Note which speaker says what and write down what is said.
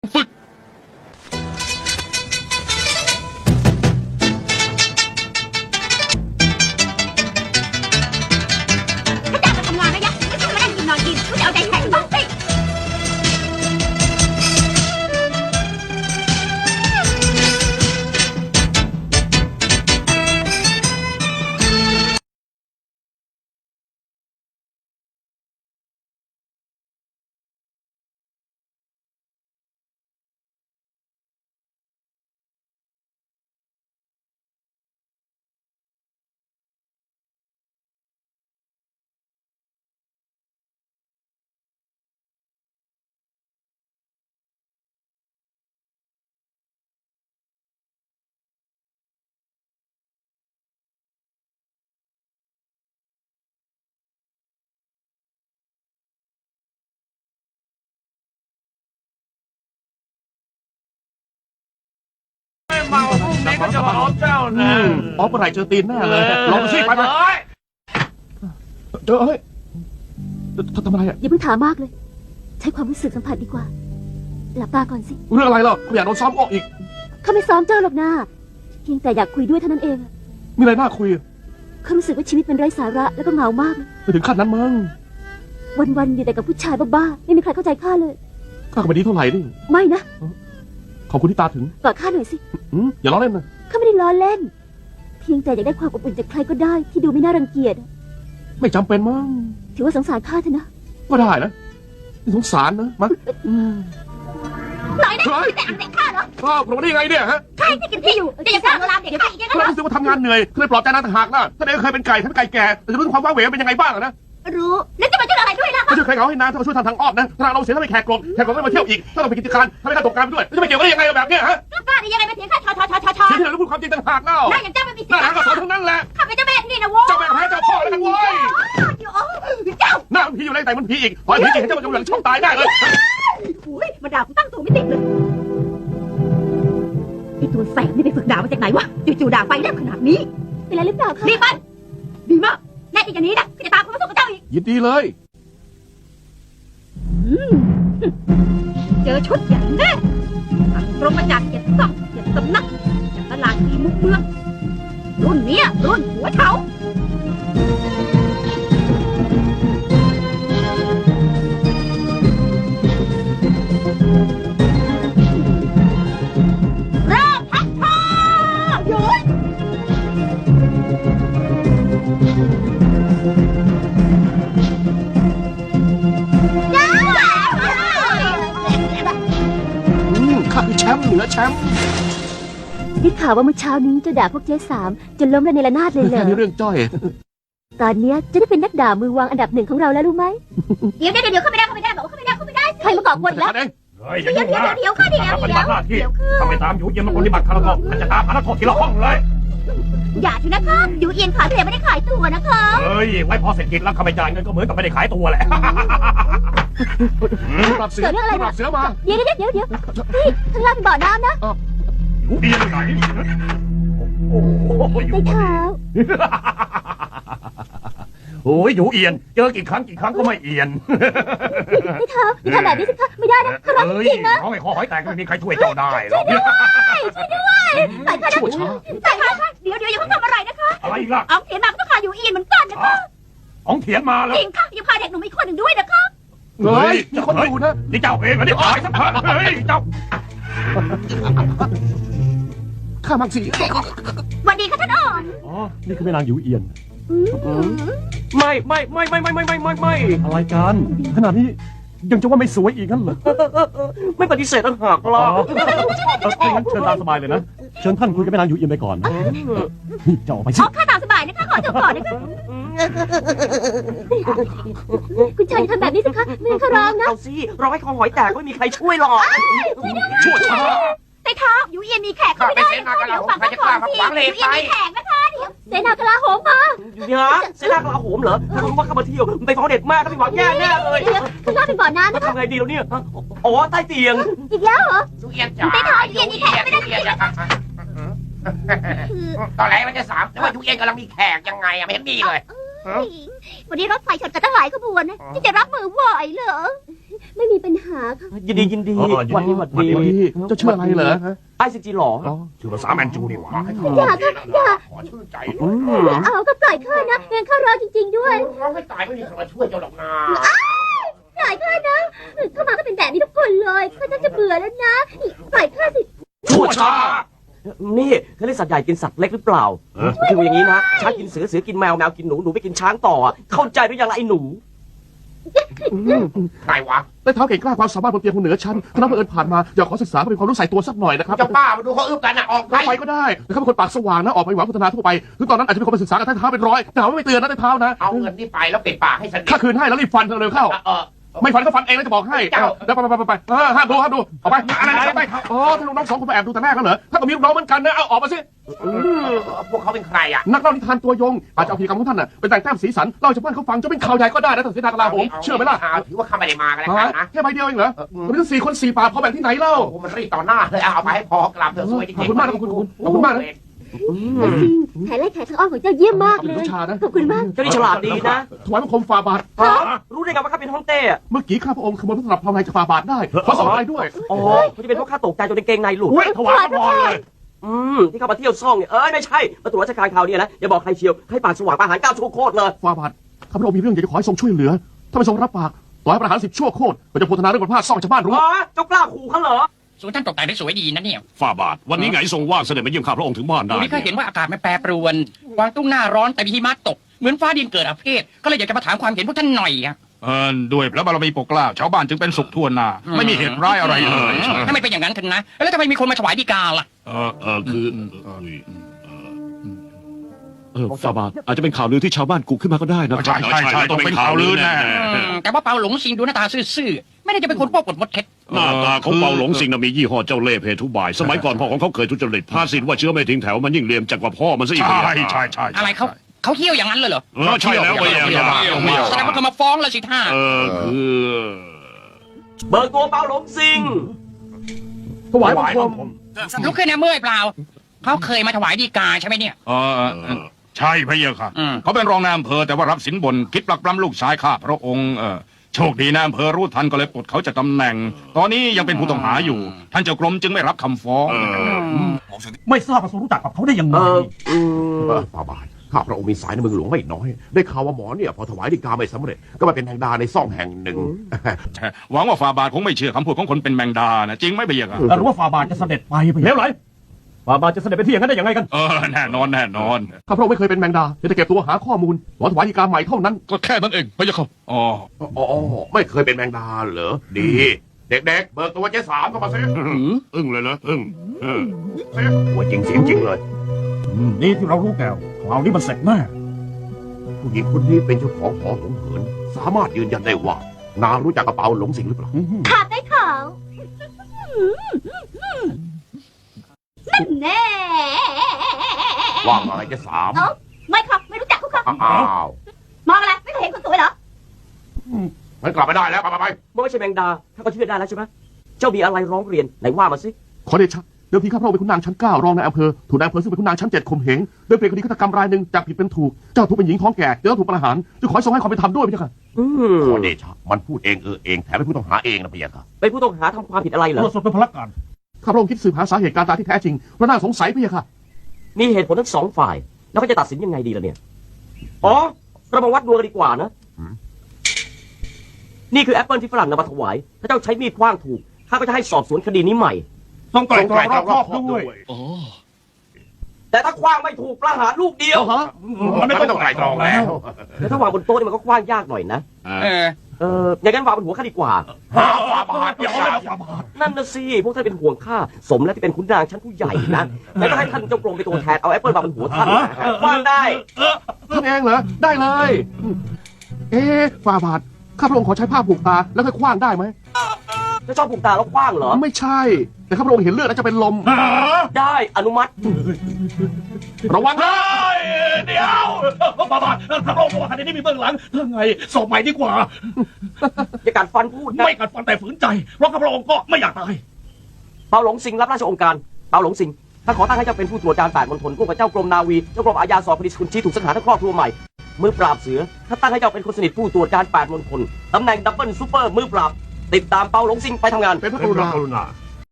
Speaker 1: ฝึก
Speaker 2: ถ้าจ้างมาทำงานนะยะไม่ใช่มานั่งกินนอนกินกูจะเอาใจแข็งบ้างสิ
Speaker 3: เมาพรุ่งนี้ก็จะมาเอาเจ้านะ
Speaker 1: อ๋อเมื่อไหร่เจอตีนแน่เลยลองดูสิไปไปเฮ้ยทำอะไรอ่ะ
Speaker 4: อย่าเพิ่งถามมากเลย ใช้ความรู้สึกสัมผัสดีกว่า หลับตาก่อนสิ
Speaker 1: เรื่องอะไรหรอไม่อยากโดนซ้อมออกอีก
Speaker 4: เขาไม่ซ้อมเจ้าหรอกนะเพียงแต่อยากคุยด้วยเท่านั้นเอง
Speaker 1: มีอะไรน่าคุย
Speaker 4: เขารู้สึกว่าชีวิตมันไร้สาระแล้วก็เหงามาก
Speaker 1: ไปถึงขั้นนั้นมั้ง
Speaker 4: วันๆอยู่แต่กับผู้ชายบ้าๆไม่มีใครเข้าใจข้าเลย
Speaker 1: ข้าก็ไม่ดีเท่าไหร่นี่
Speaker 4: ไม่นะ
Speaker 1: ขอบคุณที่ตาถึง
Speaker 4: กอดข้าหน่อยสิ
Speaker 1: อย่าล้อเล่นนะ
Speaker 4: ข้าไม่ได้ล้อเล่น เพียงแต่อยากได้ความอบอุ่นจากใครก็ได้ที่ดูไม่น่ารังเกียจ
Speaker 1: ไม่จำเป็นมั้ง
Speaker 4: ถือว่าสงสารข้าเถอะนะ
Speaker 1: ก็ได้นะนี่สงสารนะมั้ง
Speaker 2: หน่อยนะไม่แต่อังแต่ข้าเหรอ
Speaker 1: อ้าวผมมาได้ยังไงเนี่ยฮะ
Speaker 2: ใครที่กินที่อยู่จะยังสั่งโบราณเด็กข้าอีกยังไง
Speaker 1: เรารู้สึกว่าทำงานเหนื่อยเคยปลอบใจนางต่างหากนะท่านเองเคยเป็นไก่ท่านไก่แก่แต่จะรู้ความว้าเหวเป็นยังไงบ้างนะ
Speaker 2: รู้แล้วจะมาช่วยอะไรด้วยล่ะ
Speaker 1: ไม่ช่วยใครเขาให้นางถ้ามาช่วยทางอ้อมนะถ้าเราเสียถ้าไปแขกกลมแขกกลมไม่มาเที่ยวอีกถ้าเราไปกิจการทำให้การตกงานไปด้วยจะไปเกี่ยวได้ยังไงแบบเนี้ยฮะ
Speaker 2: กล้าได้ยังไงมาเถียงข้าชอ
Speaker 1: เสียที่เราพูดความจริงต่างหากเล่า
Speaker 2: หน้าอย่างเจ้าไม่มีสิท
Speaker 1: หน้า
Speaker 2: ธิ์
Speaker 1: หางก็สอนทั้งนั้นแหละ
Speaker 2: ข้าเป็นเจ้าแม่ที่นี่นะโว้
Speaker 1: เจ้าแม่แพ้เจ้าพ่อแล้วกันเว้ย
Speaker 2: เจ้า
Speaker 1: หน้ามันผีอยู่ในแต่มันผีอีกพอผีจริงเจ้ามันจะเหลืองช่องตายได้เลย
Speaker 2: อุ้ยมาด่ากูตั้งตัวไม่ติดเลยไอตัวแสบนี่ไปฝึกด่ามาจากไหนวะจู่ๆด่าไฟแลบขนาดนี้
Speaker 4: เป็นไรหรือเปล่าคะ
Speaker 2: รีบไปดีมากแน่จริงอย่างนี้นะก็จะตามคุณมาสู้กับเจ้าอีก
Speaker 1: ยินดีเลย
Speaker 2: เจอชุดใหญ่แน่ตรงมาจากเจ็ดซ่องเจ็ดสำนักจากตลาดทีมุกเมืองรุ่นเนี้ยรุ่นหัวเฉาเริ่มพักท่าหยุดจ้า
Speaker 1: ข้าคือแชมป์เหนือแชมป์
Speaker 4: ได้ข่าวว่าเมื่อเช้านี้เจ้าด่าพวกเจ๊สามจนล้มระเนระนาดเลยเหร
Speaker 1: แค่
Speaker 4: อ
Speaker 1: นี้เรื่องจ้อย
Speaker 4: ตอนเนี้ยจะได้เป็นนักด่ามือวางอันดับหนึ่งของเราแล้วรู้ไหม
Speaker 2: เดี๋ยวเข้าไม่ได้บอกว่าเข้าไม่ได้
Speaker 4: ใครมาก่อกวนอีกแล้ว
Speaker 1: เอง
Speaker 3: เฮ้ยอย่า
Speaker 2: เดี๋ยว
Speaker 3: ยุ่งนะ
Speaker 2: เดี๋ยวค่ะเดี๋ยว
Speaker 3: ปฏิบัติหน้าที่
Speaker 2: เดี๋ยวค่ะ
Speaker 3: ถ้าไม่ตามอยู่เย็นมาปฏิบัติคารวะมันจะตามหานักโทษทีละห้องเลย
Speaker 2: อย่าทีนะคะอยู่เอียนขายแต่ไม่ได้ขายตัวนะคะ
Speaker 3: เฮ้ยไว้พอเสร็จกิจแล้วข้าไม่จ่ายเงินก็เหมือนกับไม่ได้ขายตัวแหละ
Speaker 1: ปรับเสือปรับเสือมา
Speaker 4: เดี๋ยวนี่ข้างล่างเป็นบ่อน้ำนะ
Speaker 3: อยู่เอียนไหนโอ้โหอยู่
Speaker 4: ได้ข่าว
Speaker 3: โอ้ยอยู่เอียนเจอกี่ครั้งก็ไม่เอียน
Speaker 4: ได้ข่าวอย่าทำแบบนี้สิคะไม่ได้นะข้าร้อง
Speaker 3: เฮ้ย
Speaker 4: จริงๆนะ
Speaker 3: น้องไอ้คอหอยแตกไม่มีใครช่วยเจ้าได้หรอก
Speaker 2: ใส่ค่ะ
Speaker 1: ชั่วช้า
Speaker 2: ใส่ค่ะเดี๋ยวอย่าเพิ่งทำอะไรนะคะ
Speaker 3: อะไรอีกล่ะ
Speaker 2: เอาเถียนมาก็ต้องขายอยู่เอียนเหมือนกันนะคะ
Speaker 3: ของเถียนมาแล้ว
Speaker 2: จริงค่ะอย่าพาเด็กหนุ่มอีกคนหนึ่งด้วยนะคะ
Speaker 1: เฮ้ยมีคนดูนะ
Speaker 3: นี่เจ้าเองเหรอนี่ตายสักพักเฮ้ยเจ้า
Speaker 1: ข้ามักสิ
Speaker 2: สวัสดีค่ะท่านอ่อน
Speaker 3: อ๋อนี่คือแม่นางอยู่เอียน
Speaker 4: อืม
Speaker 3: ไม่อะไรกันขนาดนี้ยังจะว่าไม่สวยอีกงั้นเหรอ
Speaker 5: ไม่ปฏิเสธต่างหากล่ะ
Speaker 3: ถ้างั้นเชิญตามสบายเลยนะเชิญท่านคุยกับแม่นางอยู่เอียนไปก่อนนี่เจ้าออกไปสิ
Speaker 2: อ๋อค่ะตามสบายนะคะขอจบก่อนนะคะ
Speaker 4: คุณชายอย่าทำแบบนี้สิคะไม่งั้นข้าร้องนะ
Speaker 5: เอาสิรอให้คอหอยแตกไม่มีใครช่วยหรอก
Speaker 1: ชั่วช้า
Speaker 2: แต่เท้าอยู่เอียนมีแขกเข้าไม่ได้นะคะเดี๋ยวฝั่งข้างของทีอยู่เอียนมีแขกนะคะเดี๋ยว
Speaker 4: เสนากลาโหมมา
Speaker 5: เดี๋ยวนะเสนากลาโหมเหรอถ้ารู้ว่าข้ามาเที่ยวมันไปฟ้องเด็กมากก็ไปหวังแย่แน่เลย
Speaker 4: เดี๋ยวข้างล่างเป็นบ่อน้ำ
Speaker 5: มา
Speaker 4: นะคะ
Speaker 5: ทำไงดีแล้วเนี่ยอ๋อใต้เตียง
Speaker 4: อีกแล้วเหรอ
Speaker 6: ยูเอียนจ๋า
Speaker 2: แต่เท้าอยู่เอียนมีแขกไม่ได้
Speaker 6: ยูเอียนจ๋าตอนแรกมันจะ3แต่ว่ายูเอียนกำลังมีแขกยังไงอะไม่เห็นมีเลย
Speaker 2: วันนี้รถไฟชนกันตั้งหลายขบวนนะที่จะรับมือไหวเหรอ
Speaker 4: ไม่มีปัญหาค่ะ
Speaker 5: ยินดียินดี
Speaker 1: อ๋อ
Speaker 5: วันนี้หวัดดี
Speaker 1: วันนี้เจ้าชื่ออะไรเหรอฮะ
Speaker 5: ไอซีจีหรอ
Speaker 1: ชื่อภาษาแมนจูนี่หว่า
Speaker 4: อย่าค่ะอย่า
Speaker 6: ขอชื่นใจ
Speaker 4: ไม่เอาก็ปล่อยข้านะงั้นข้ารอจริงๆด้วย
Speaker 6: ร้องให้ตายไม่มีใครมาช่วยเจ้าหรอกนะ
Speaker 4: ปล่อยข้านะเข้ามาก็เป็นแบบนี้ทุกคนเลยข้าจะเบื่อแล้วนะปล่อยข้าสิ
Speaker 5: ชั่วช้า นี่เขาเรียกสัตว์ใหญ่กินสัตว์เล็กหรือเปล่าคืออย่างนี้นะ ช้างกินเสือ เสือกินแมว แมวกินหนู หนูไปกินช้างต่อ เข้าใจหรือยังล่ะไอ้หนู
Speaker 6: ใครวะ
Speaker 1: ได้เท้าเก่งกล้าความสามารถบนเตียงคนเหนือชั้นคณะบังเอิญผ่านมาอยากขอศึกษาเพื่อเป็นความรู้ใส่ตัวสักหน่อยนะครับ
Speaker 6: เจ้าป้ามาดูเขาอึบกันนะออกไป
Speaker 1: ไปก็ได้แต่เขาเป็นคนปากสว่างนะออกไปหวังพัฒนาทั่วไปถึงตอนนั้นอาจจะมีคนไปศึกษากับท่านเท้าเป็นร้อยแต่หาว่าไม่เตือนนะได้เท้านะ
Speaker 6: เอาเงินนี่ไปแล้วปิดปากให้สนิท
Speaker 1: ถ้าคืนให้แล้วรีบฟันเธอเร็วเข้า ไม่ฟันก็ฟันเองแล้วจะบอกให้เดี๋ยวไปห้ามดูออกไปอะไรไปอ๋อถ้าลูกน้อง2 คนมาแอบดูแต่แรกกันเหรอถ้าก็มีลูกน้องเหมือนกันนะเอาออกมาสิ
Speaker 6: พวกเขาเป็นใครอ่ะ
Speaker 1: นักเล่านิทานตัวยงอาจจะเอาพิธีกรรมของท่านน่ะเป็นแต่งแต้มสีสันเล่าให้ชาวบ้านเขาฟังจะเป็นข่าวใหญ่ก็ได้นะแต่เสียดายกลาโหมเชื่อไหมล่ะ
Speaker 6: ถือว่าข้าไม่ได้มากันแล้วกันนะ
Speaker 1: แค่ใบเดียวเองเหรอมันต้อง4 คน 4 ปากพอแบ่งที่ไหนเล่า
Speaker 6: โอ้มันรีบต่อหน้าเลยเอาไปให้พอกลับเถอะสวยจริง
Speaker 1: ขอบคุณมากนะขอบคุณมากนะ
Speaker 4: จริงแผนไล่แขกทางอ้อมของเจ้าเยี่ยมมากเลย
Speaker 1: ชานะ
Speaker 4: ขอบคุณมาก
Speaker 5: เจ้านี่ฉลาดดีนะ
Speaker 1: ถวายบังคมฝ่าบาท
Speaker 5: รู้ได้ไงว่าข้าเป็นฮ่องเต้อะ
Speaker 1: เมื่อกี้ข้าพระองค์ขโมยพระตลับพระไงจะฝ่าบาทได้ขอสองใบด้วย
Speaker 5: อ๋อเขาจะเป็นเพราะข้าตกใจจนกางเกงในหลุด
Speaker 1: ถวายพระพรเลย
Speaker 5: ที่เข้ามาเที่ยวซ่องเนี่ย ไม่ใช่ มาตรวจราชการคราวนี้นะ อย่าบอกใครเชียวให้ปากสว่างประหาร9 ชั่วโคตรเลย
Speaker 1: ฝ่าบาทข้าพระองค์มีเรื่องอยากจะขอให้ทรงช่วยเหลือถ้าไม่ทรงรับปากต่อให้ประหาร10 ชั่วโคตรก็จะโพธนาเรื่องคนพลาดซ่องชาวบ้านรู้
Speaker 5: เจ้ากล้าขู่เขาเหรอ
Speaker 7: ส่วนท่านตกแต่งได้สวยดีนะเนี่ย
Speaker 3: ฝ่าบาท วันนี้ไงทรงว่างเสด็จมาเยี่ยมข้าพระองค์ถึงบ้านได้
Speaker 7: วันนี้ก็เห็นว่าอากาศมันแปรปรวนกวางตุ้งหน้าร้อนแต่มีหิมะตก เหมือนฟ้าดินเกิดอาเพศก็เลยอยากจะมาถามความเห็นพวกท่านหน่อยอะ
Speaker 3: ด้วยพระบารมีปกเกล้าชาวบ้านจึงเป็นสุขทั่วหน้าไม่มีเหตุร้ายอะไรเลย
Speaker 7: ถ้าไม่เป็นอย่างนั้นถึงนะ แล้วทำไมมีคนมาถวายดีกาล่ะ
Speaker 3: ฝ่าบาทอาจจะเป็นข่าวลือที่ชาวบ้านกุขึ้นมาก็ได้นะใช่ต้องเป็นข่าวลือแน่
Speaker 7: แต่ว่าเปาหลงซิงดูหน้าตาซื่อๆไม่ได้จะเป็นคนป้อกดมดเท็จ
Speaker 3: หน้าตาของเปาหลงสิงห์มียี่ห้อเจ้าเล่ห์เพทุบาย สมัยก่อนพ่อของเขาเคยทุจริตพาสินว่าเชื้อไม่ทิ้งแถวมันยิ่งเลมจัดกว่าพ่อมันซะอีกใช่
Speaker 7: อะไรเขาเที่ยวอย่างนั้นเลยเหรอ
Speaker 3: ใช่แล้วไม่
Speaker 7: แสดงว่าเขามาฟ้องแล้วสิท่า
Speaker 3: คือ
Speaker 5: เบิกตัวเปาหลงซิง
Speaker 1: ถวายบังคม
Speaker 7: ลุกขึ้นนะเมื่อยเปล่าเขาเคยมาถวายดีกาใช่ไหมเนี่ย
Speaker 3: ใช่พระเยาค่ะเขาเป็นรองนายอำเภอแต่ว่ารับสินบนคิดปลักปล้ำลูกชายข้าพระองค์โชคดีนายอำเภอรู้ทันก็เลยปลดเขาจากตำแหน่ง ตอนนี้ยังเป็นผู้ต้องหาอยู่ ท่านเจ้ากรมจึงไม่รับคำฟ้อง
Speaker 8: ไม่ทราบว่าทรงรู้จักกับเขาได้ยังไง
Speaker 1: ฝ่าบาทข้าพระองค์มีสายในเมืองหลวงไม่น้อย ได้ข่าวว่าหมอเนี่ยพอถวายดีกาไม่สำเร็จก็มาเป็นแมงดาในซ่องแห่งหนึ่ง
Speaker 3: หวังว่าฝ่าบาทคงไม่เชื่อคำพูดของคนเป็นแมงดานะจริงไหมพระเยาค่ะ
Speaker 8: หรือว่าฝ่าบาทจะเสด็จไปเร็วไหลฝ่าบาทจะเสด็จไปที่อย่างนั้นได้ยังไงกัน
Speaker 3: แน่นอน
Speaker 1: ข้าพระองค์ไม่เคยเป็นแมงดาจะเก็บตัวหาข้อมูลหวังถวายดีกาใหม่เท่านั้น
Speaker 3: ก็แค่นั้นเองพระเยาค่ะอ๋อ
Speaker 1: ไม่เคยเป็นแมงดาเหรอดี เด็กๆเบิกตัวเจ๊สามเข้ามาซิ
Speaker 3: อึ้งเลยนะอึ้ง
Speaker 1: หัวจริงเสียงจริงเลย
Speaker 8: นี่ที่เรารู้แก้วคราวนี้มันเสร็จแน่
Speaker 1: ผู้หญิงคนนี้เป็นเจ้าของหอหงเหินสามารถยืนยันได้ว่านางรู้จักกระเป๋าหลงสิงหรือเปล่า
Speaker 4: ขาดได้ข่าวนั่นแน่
Speaker 1: ว่าไงเจ๊สาม
Speaker 2: ไม่ครับไม่รู้จักเขาครับ
Speaker 1: อ้าว
Speaker 2: มองอะไรไม่เคยเห็นคนสวยเหรอ
Speaker 1: มันกลับไม่ได้แล้วไป
Speaker 5: ไม่ใช่แมงดาถ้าก็เชื่อได้แล้วใช่ไหมเจ้ามีอะไรร้องเรียนไหนว่ามาสิ
Speaker 1: ขอเดชะเดิมทีข้าพระองค์เป็นขุนนางชั้น 9รองนายอำเภอถูกนายอำเภอซึ่งเป็นขุนนางชั้น 7ข่มเหงโดยเปลี่ยนคดีฆาตกรรมรายหนึ่งจากผิดเป็นถูกเจ้าถูกเป็นหญิงท้องแก่จะต้องถูกประหารจะขอให้ทรงให้ความเป็นธรรมด้วยพี่เจ้าค่ะขอเดชะมันพูดเองเองแถมเป็นผู้ต้องหาเองนะพี่เจ้าค่ะ
Speaker 5: เป็นผู้ต้องหาทำความผิดอะไรเหร
Speaker 8: ตร
Speaker 5: อ
Speaker 8: วจสอบเป็นพลักการ
Speaker 1: ข้าพระองค์คิดสืบหาสาเหตุการตายที่แท้จริงเพราะน่าสงสัยพี่เจ้าค่ะ
Speaker 5: มีเหตุผลทั้งสองฝ่าย แล้วก็จะตัดสินยังไงดีล่ะเนี่ยเรามาวัดดวงกันดีกว่านะนี่คือแอปเปิลที่ฝรั่งนำมาถวายถ้าเจ้าใช้มีดคว้างถูกข้าก็จะให้สอบสวนคดีนี้ใหม่
Speaker 8: ต้องไตร่ตรองรอบคอบด้วย
Speaker 5: แต่ถ้าคว้างไม่ถูกประหารลูกเดียว
Speaker 8: มันไม่ต้องไตร่ตรองแล้ว
Speaker 5: แต่ถ้าวางบนโต๊ะนี่มันก็คว้างยากหน่อยนะอย่างนั้นวางบนหัวข้าดีกว่า
Speaker 8: ฝ่าบาทอย่าเอาฝ่าบาท
Speaker 5: นั่นนะสิพวกท่านเป็นห่วงข้าสมแล้วที่เป็นขุนนางชั้นผู้ใหญ่นะแล้วก็ให้ท่านเจ้ากรมเป็นตัวแทนเอาแอปเปิลวางบนหัวท่านคว้างได้
Speaker 1: ท่านเองเหรอได้เลยฝ่าบาทข้าพระองค์ขอใช้ผ้าผูกตาแล้วค่อยคว้างได้ไหม
Speaker 5: ถ้าชอบผูกตาแล้วคว้างเหรอ
Speaker 1: ไม่ใช่ แต่ข้าพระองค์เห็นเลือดแล้วจะเป็นลม
Speaker 5: ได้อนุมัติ
Speaker 1: ระวังนะ
Speaker 8: เดี๋ยวฝ่าบาทพระองค์บอกว่าคดีนี้มีเบื้องหลังเรื่องไงสอบใหม่ดีกว่า
Speaker 5: อย่ากัดฟันพูดนะ
Speaker 8: ไม่กัดฟันแต่ฝืนใจเพราะข้าพระองค์ก็ไม่อยากตาย
Speaker 5: เปาหลงสิงรับราชองค์การเปาหลงสิงถ้าขอตั้งให้เจ้าเป็นผู้ตรวจการ8มณฑลร่วมกับเจ้ากรมนาวีเจ้ากรมอาญาสอบคดีคุณชี้ถูกสังหารทั้งครอบครัวใหม่มือปราบเสือถ้าตั้งให้เจ้าเป็นคนสนิทผู้ตรวจการ8มณฑลตำแหน่งดับเบิลซูเปอร์มือปราบติดตามเปาหลงซิงไปทำงาน
Speaker 1: เป็นพระก
Speaker 8: เป็น
Speaker 1: รุ
Speaker 8: พระ
Speaker 1: ณา
Speaker 8: กรุณา